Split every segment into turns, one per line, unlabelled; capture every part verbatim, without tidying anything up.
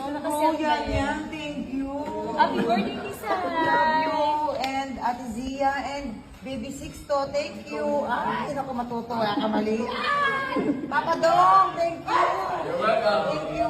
Oh, yan, yan. Thank you.
Happy birthday, Lisa!
Love you. And Ate Zia and Baby Sixto, thank you. Ay, naku, matutuwa ka mali. Ay, Papa Dong, thank you. You're welcome. Thank you.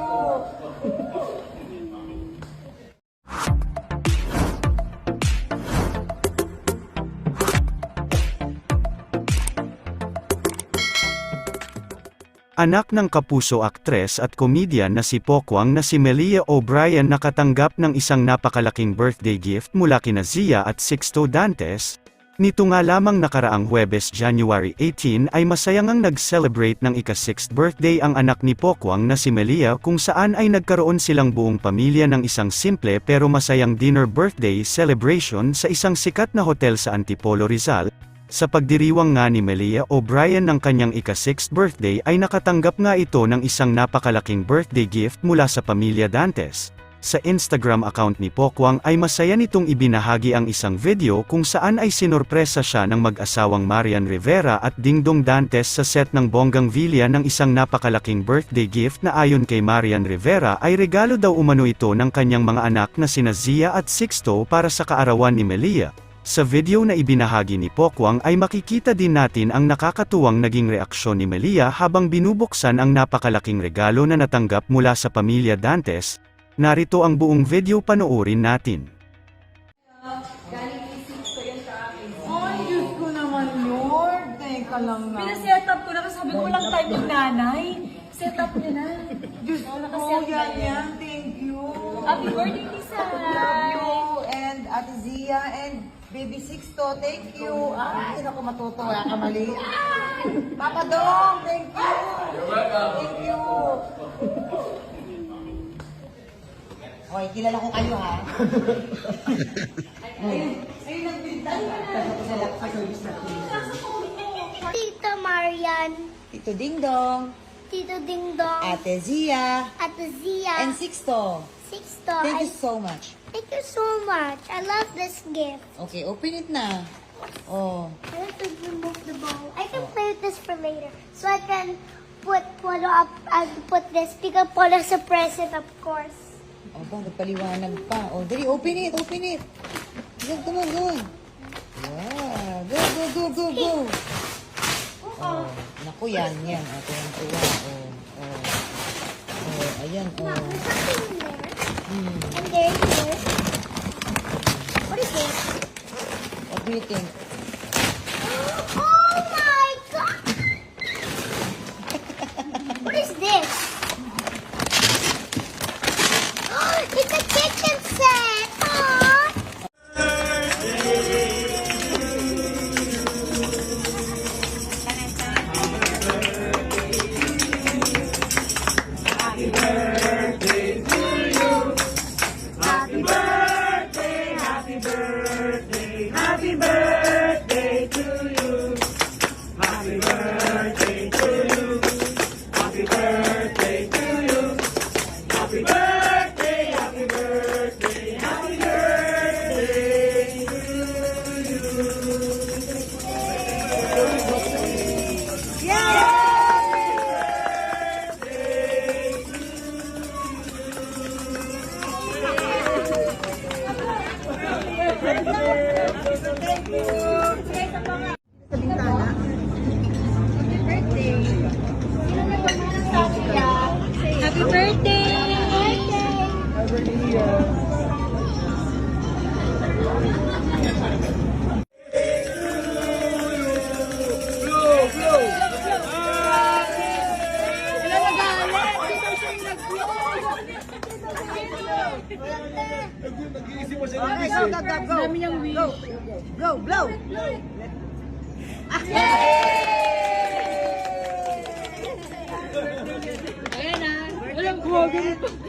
Anak ng kapuso aktres at komedyan na si Pokwang na si Melia O'Brien nakatanggap ng isang napakalaking birthday gift mula kina Zia at Sixto Dantes. Nito nga lamang nakaraang Huwebes January eighteen ay masayang ang nag-celebrate ng ika-sixth birthday ang anak ni Pokwang na si Melia kung saan ay nagkaroon silang buong pamilya ng isang simple pero masayang dinner birthday celebration sa isang sikat na hotel sa Antipolo, Rizal. Sa pagdiriwang nga ni Melia O'Brien ng kanyang ika-sixth birthday ay nakatanggap nga ito ng isang napakalaking birthday gift mula sa pamilya Dantes. Sa Instagram account ni Pokwang ay masaya nitong ibinahagi ang isang video kung saan ay sinorpresa siya ng mag-asawang Marian Rivera at Dingdong Dantes sa set ng Bonggang Villa ng isang napakalaking birthday gift na ayon kay Marian Rivera ay regalo daw umano ito ng kanyang mga anak na sina Zia at Sixto para sa kaarawan ni Melia. Sa video na ibinahagi ni Pokwang ay makikita din natin ang nakakatuwang naging reaksyon ni Melia habang binubuksan ang napakalaking regalo na natanggap mula sa pamilya Dantes. Narito ang buong video, panoorin natin.
Galing kay Sixto yan sa akin.
Ay, Diyos ko naman, Lord. Teka lang na.
Pinaset up ko na kasi sabi ko walang time yung nanay. Set up niya na.
Diyos ko, oh, yan, yan. Thank you.
Happy birthday, Lisa!
Love you. And Ate Zia and Baby Sixto, thank you. Ay, naku, matutuwa ka mali. Ay, Papa Dong, thank you. You're welcome. Thank you. Hoy, kilala ko kayo, ha? Ayun, ayun ang bintang.
Tita Marian,
Tito Ding Dong,
Tito Ding Dong,
Ate Zia,
Ate Zia,
and Sixto.
Sixto.
Thank you
I-
so much.
Thank you so much. I love this gift.
Okay, open it na. Oh.
I have to remove the bowl. I can play with this for later. So I can put Polo up and put this because Polo's a present, of course.
Oh, ba, nagpaliwanag pa. Oh, dali, open it, open it. Go, come on, go on. Yeah, go, go, go, go, go. Oh, naku, yan, yan. Oh, tuwang tuwa. Oh, oh. Oh, ayan,
Now,
oh.
there's something in there.
Hmm.
And there's this. What is this?
What do you think?
Oh my god! What is this? It's a kitchen set! Aww!
Happy birthday!
Okay, go, go, go, go.
Dami niyang wish.
Go, blow, blow.
Ayan na. Walang kuwagin ito.